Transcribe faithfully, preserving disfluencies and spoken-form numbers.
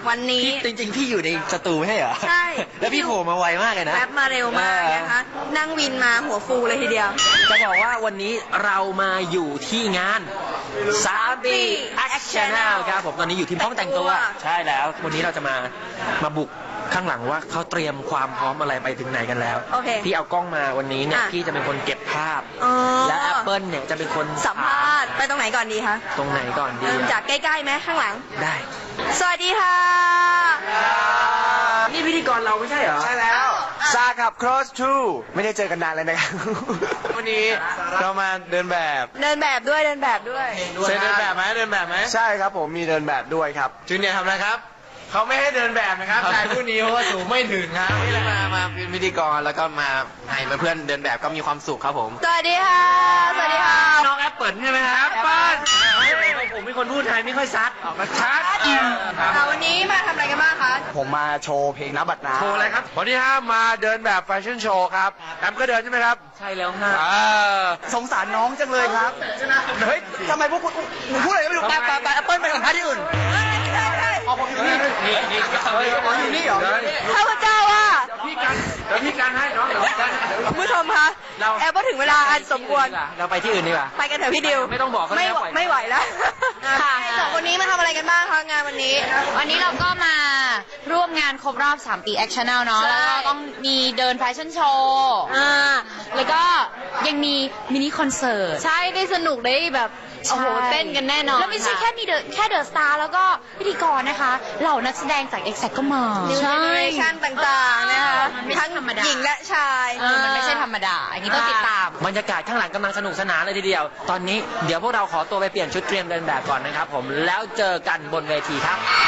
วันนี้จริงๆพี่อยู่ในสตูไม่ใช่เหรอใช่แล้วพี่โผล่มาไวมากเลยนะแป๊บมาเร็วมากนะคะนั่งวินมาหัวฟูเลยทีเดียวจะบอกว่าวันนี้เรามาอยู่ที่งานสามปี Action ครับผมตอนนี้อยู่ที่ห้องแต่งตัวใช่แล้ววันนี้เราจะมามาบุกข้างหลังว่าเขาเตรียมความพร้อมอะไรไปถึงไหนกันแล้วพี่เอากล้องมาวันนี้เนี่ยพี่จะเป็นคนเก็บภาพและแอปเปิลเนี่ยจะเป็นคนสัมภาษณ์ไปตรงไหนก่อนดีคะตรงไหนก่อนดีจากใกล้ๆไหมข้างหลังได้สวัสดีค่ะนี่พิธีกรเราไม่ใช่เหรอใช่แล้วซากับ Cross Two ไม่ได้เจอกันนานเลยนะครับวันนี้เรามาเดินแบบเดินแบบด้วยเดินแบบด้วยเดินแบบไหมเดินแบบไหมใช่ครับผมมีเดินแบบด้วยครับจูเนียร์ทำอะไรครับเขาไม่ให้เดินแบบนะครับชายผู้นี้เพราะว่าสูงไม่ถึงครับนี่มามาเป็นพิธีกรแล้วก็มาให้เพื่อนเดินแบบก็มีความสุขครับผมสวัสดีค่ะสวัสดีค่ะน้องแอปเปิลใช่ไหมครับแอปเปิลผมเป็นคนพูดไทยไม่ค่อยชัดออกมาชัดวันนี้มาทำอะไรกันบ้างคะผมมาโชว์เพลงนับบัตรน้ำโชว์อะไรครับวันนี้ฮะมาเดินแบบแฟชั่นโชว์ครับแอมก็เดินใช่ไหมครับใช่แล้วฮะสงสารน้องจังเลยครับเฮ้ยทำไมพวกคุณพูดอะไรก็ไม่รู้ไปไปไปแอปเปิลไปสัมภาษณ์ที่อื่นอ๋อผมอยู่นี่นี่นี่อ๋ออยู่นี่เหรอข้าพเจ้าว่าพี่กันเดี๋ยวพี่กันให้น้องเดี๋ยวพี่กันคุณผู้ชมคะแอบว่าถึงเวลาอันสมควรเราไปที่อื่นดีกว่าไปกันเถอะพี่ดิวไม่ต้องบอกไม่ไม่ไหวแล้วค่ะสองคนนี้มาทำอะไรกันบ้างคะงานวันนี้วันนี้เราก็มาร่วมงานครบรอบสามปี Action เนาะแล้วก็ต้องมีเดินแฟชั่นโชว์อ่าแล้วก็ยังมีมินิคอนเสิร์ตใช่ได้สนุกได้แบบโอ้โหเต้นกันแน่นอนแล้วไม่ใช่แค่มีเดอะแค่เดอะสตาร์แล้วก็พิธีกรนะคะเหล่านักแสดงจาก Exact ก็มาใช่ชั้นต่างๆนะคะทั้งหญิงและชายมันไม่ใช่ธรรมดาอันนี้ต้องติดตามบรรยากาศข้างหลังกำลังสนุกสนานเลยทีเดียวตอนนี้เดี๋ยวพวกเราขอตัวไปเปลี่ยนชุดเตรียมเดินแบบก่อนนะครับผมแล้วเจอกันบนเวทีครับ